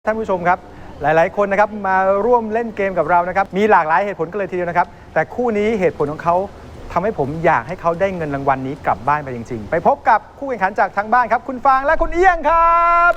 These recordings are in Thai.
ท่านผู้ชมครับหลายๆคนนะครับมาร่วมเล่นเกมกับเรานะครับมีหลากหลายเหตุผลกันเลยทีเดียวนะครับแต่คู่นี้เหตุผลของเขาทำให้ผมอยากให้เขาได้เงินรางวัลนี้กลับบ้านไปจริงๆไปพบกับคู่แข่งขันจากทางบ้านครับคุณฟางและคุณเอี้ยงครับ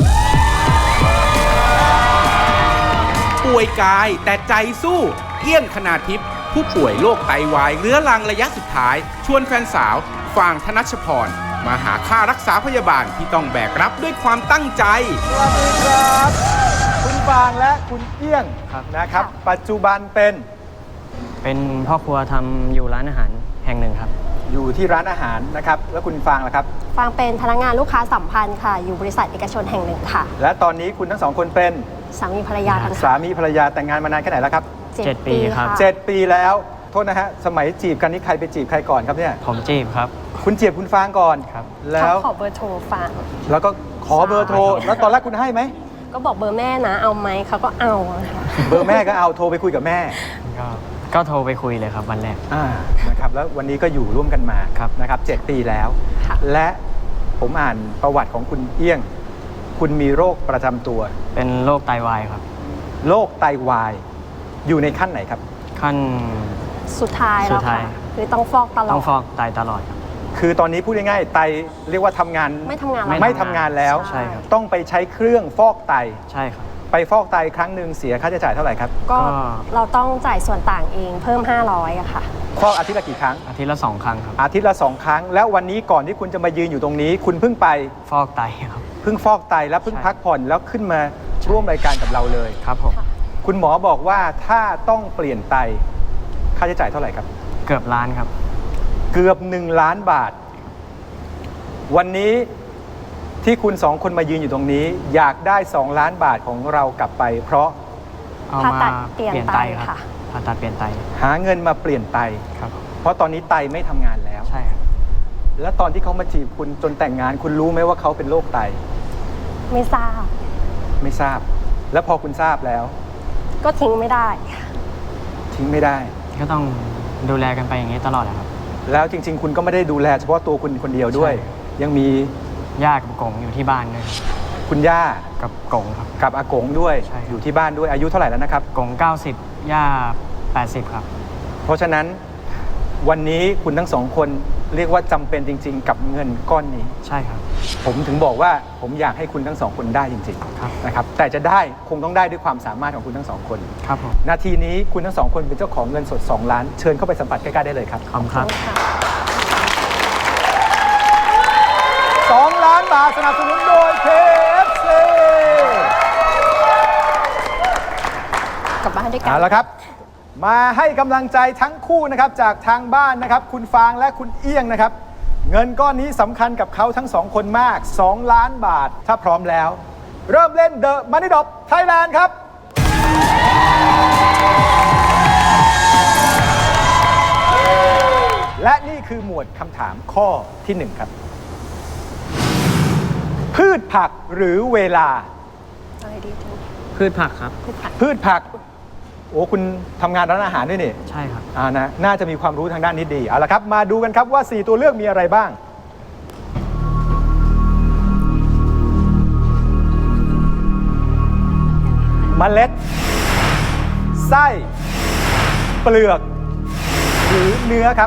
ป่วยกายแต่ใจสู้เอี้ยงคณาทิพย์ผู้ป่วยโรคไตวายเรื้อรังระยะสุดท้ายชวนแฟนสาวฟางธนชพรมาหาค่ารักษาพยาบาลที่ต้องแบกรับด้วยความตั้งใจสวัสดีครับคุณฟางและคุณเอี้ยงนะครับปัจจุบันเป็นพ่อครัวทำอยู่ร้านอาหารแห่งหนึ่งครับอยู่ที่ร้านอาหารนะครับแล้วคุณฟางล่ะครับฟางเป็นพนักงานลูกค้าสัมพันธ์ค่ะอยู่บริษัทเอกชนแห่งหนึ่งค่ะและตอนนี้คุณทั้งสองคนเป็นสามีภรรยากันสามีภรรยาแต่งงานมานานแค่ไหนแล้วครับ 7 ปีครับ 7 ปีแล้วโทษนะฮะสมัยจีบกันนี่ใครไปจีบใครก่อนครับเนี่ยผมจีบครับคุณจีบคุณฟางก่อนครับแล้วขอเบอร์โทรฟางแล้วก็ขอเบอร์โทรแล้วตอนแรกคุณให้ไหมก็บอกเบอร์แม่นะเอาไหมเขาก็เอาค่ะเบอร์แม่ก็เอาโทรไปคุยกับแม่ก็โทรไปคุยเลยครับวันแรกนะครับแล้ววันนี้ก็อยู่ร่วมกันมานะครับ7 ปีแล้วและผมอ่านประวัติของคุณเอี้ยงคุณมีโรคประจำตัวเป็นโรคไตวายครับโรคไตวายอยู่ในขั้นไหนครับขั้นสุดท้ายแล้วค่ะคือต้องฟอกตลอดต้องฟอกไตตลอดคือตอนนี้พูดง่ายๆไตเรียกว่าทำงานไม่ทำงานแล้วใช่ครับต้องไปใช้เครื่องฟอกไตใช่ครับไปฟอกไตครั้งหนึ่งเสียค่าใช้จ่ายเท่าไหร่ครับก็เราต้องจ่ายส่วนต่างเองเพิ่ม500อะค่ะฟอกอาทิตย์ละกี่ครั้งอาทิตย์ละ2 ครั้งครับอาทิตย์ละ2 ครั้งแล้ววันนี้ก่อนที่คุณจะมายืนอยู่ตรงนี้คุณเพิ่งไปฟอกไตครับเพิ่งฟอกไตแล้วเพิ่งพักผ่อนแล้วขึ้นมาร่วมรายการกับเราเลยครับผมคุณหมอบอกว่าถ้าต้องเปลี่ยนไตค่าใช้จ่ายเท่าไหร่ครับเกือบล้านครับเกือบ1 ล้านบาทวันนี้ที่คุณ2 คนมายืนอยู่ตรงนี้อยากได้2 ล้านบาทของเรากลับไปเพราะเอามาเปลี่ยนไตครับผ่าตัดเปลี่ยนไตหาเงินมาเปลี่ยนไตครับเพราะตอนนี้ไตไม่ทำงานแล้วใช่ครับแล้วตอนที่เขามาจีบคุณจนแต่งงานคุณรู้ไหมว่าเขาเป็นโรคไตไม่ทราบแล้วพอคุณทราบแล้วก็ทิ้งไม่ได้ก็ต้องดูแลกันไปอย่างนี้ตลอดครับแล้วจริงๆคุณก็ไม่ได้ดูแลเฉพาะตัวคุณคนเดียวด้วยยังมีย่ากับกงอยู่ที่บ้านด้วยคุณย่ากับกงครับกับอากงด้วยอยู่ที่บ้านด้วยอายุเท่าไหร่แล้วนะครับกง90ย่า80ครับเพราะฉะนั้นวันนี้คุณทั้ง2 คนเรียกว่าจำเป็นจริงๆกับเงินก้อนนี้ใช่ครับผมถึงบอกว่าผมอยากให้คุณทั้ง2 คนได้จริงๆนะครับแต่จะได้คงต้องได้ด้วยความสามารถของคุณทั้ง2 คนครับผมนาทีนี้คุณทั้ง2 คนเป็นเจ้าของเงินสด2 ล้านเชิญเข้าไปสัมผัสใกล้ๆได้เลยครับขอบคุณครับ 2 ล้านบาทสนับสนุนโดย KFC กลับบ้านด้วยกันเอาละครับมาให้กำลังใจทั้งคู่นะครับจากทางบ้านนะครับคุณฟางและคุณเอี้ยงนะครับเงินก้อนนี้สำคัญกับเขาทั้ง2 คนมาก2 ล้านบาทถ้าพร้อมแล้วเริ่มเล่น The Money Drop Thailand ครับและนี่คือหมวดคำถามข้อที่1ครับพืชผักหรือเวลาอะไรดีจังพืชผักครับพืชผักโอ้คุณทำงานร้านอาหารด้วยนี่ใช่ครับนะน่าจะมีความรู้ทางด้านนี้ดีเอาละครับมาดูกันครับว่า4 ตัวเลือกมีอะไรบ้างเมล็ดไส้เปลือกหรือเนื้อครับ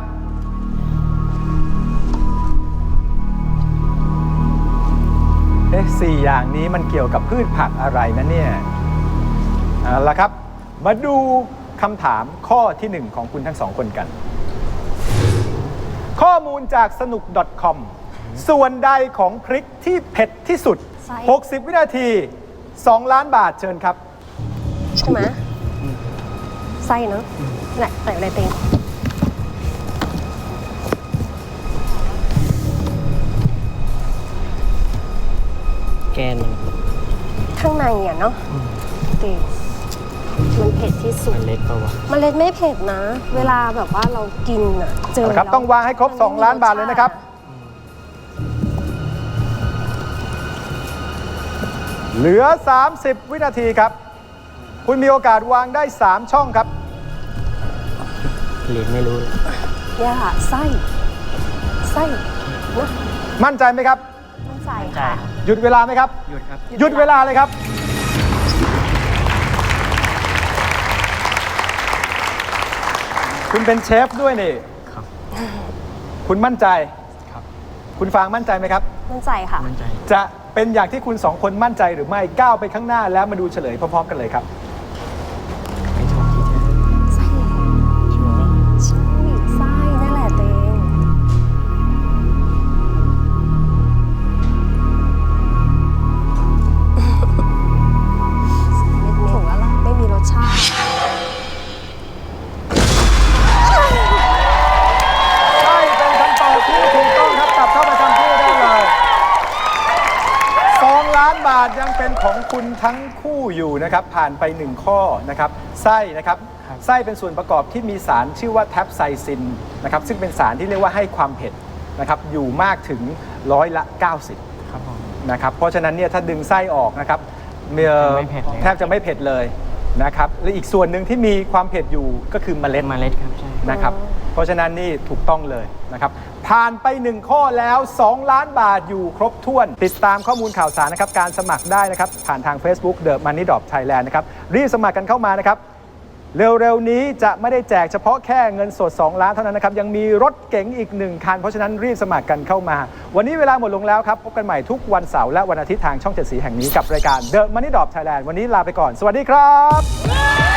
4 อย่างนี้มันเกี่ยวกับพืชผักอะไรนะเนี่ยเอาละครับมาดูคำถามข้อที่1ของคุณทั้ง2 คนกันข้อมูลจากสนุก .com ส่วนใดของพริกที่เผ็ดที่สุด60 วินาที2 ล้านบาทเชิญครับใช่ไหมไส้เนาะไหนใส่อะไรเต็งแกนข้างในอ่ะเนาะตีมันเผ็ดที่สุดเมล็ดปะวะเมล็ดไม่เผ็ดนะเวลาแบบว่าเรากินอ่ะเจอครับต้องวางให้ครบ2 ล้านบาทเลยนะครับเหลือ30 วินาทีครับคุณมีโอกาสวางได้3 ช่องครับเรียนไม่รู้ย่าไส้นะมั่นใจไหมครับมั่นใจค่ะหยุดเวลาไหมครับหยุดครับหยุดเวลาเลยครับคุณเป็นเชฟด้วยนี่ครับคุณมั่นใจครับคุณฟางมั่นใจไหมครับมั่นใจค่ะมั่นใจจะเป็นอย่างที่คุณสองคนมั่นใจหรือไม่ก้าวไปข้างหน้าแล้วมาดูเฉลยพร้อมๆกันเลยครับไม่ถูกที่เธอไส้ชัวร์ใช่ไส้นั่นแหละตัวเองถูกแล้วล่ะไม่มีรสชาติใช่เป็นคำตอบที่ถูกต้องครับกลับเข้าประจำที่ได้เลย2 ล้านบาทยังเป็นของคุณทั้งคู่อยู่นะครับผ่านไป1ข้อนะครับไส้นะครับไส้เป็นส่วนประกอบที่มีสารชื่อว่าแทปไซซินนะครับซึ่งเป็นสารที่เรียกว่าให้ความเผ็ดนะครับอยู่มากถึง90% ครับผมนะครับเพราะฉะนั้นเนี่ยถ้าดึงไส้ออกนะครับไม่เผ็ดเลยแทบจะไม่เผ็ดเลยนะครับและอีกส่วนหนึ่งที่มีความเผ็ดอยู่ก็คือเมล็ดเมล็ดครับใช่นะครับเพราะฉะนั้นนี่ถูกต้องเลยนะครับผ่านไป1ข้อแล้ว2 ล้านบาทอยู่ครบถ้วน ติดตามข้อมูลข่าวสารนะครับการสมัครได้นะครับผ่านทาง Facebook The Money Drop Thailand นะครับรีบสมัครกันเข้ามานะครับเร็วๆนี้จะไม่ได้แจกเฉพาะแค่เงินสด2 ล้านเท่านั้นนะครับยังมีรถเก๋งอีก1 คันเพราะฉะนั้นรีบสมัครกันเข้ามา วันนี้เวลาหมดลงแล้วครับพบกันใหม่ทุกวันเสาร์และวันอาทิตย์ทางช่อง7 สีแห่งนี้กับรายการ The Money Drop Thailand วันนี้ลาไปก่อนสวัสดีครับ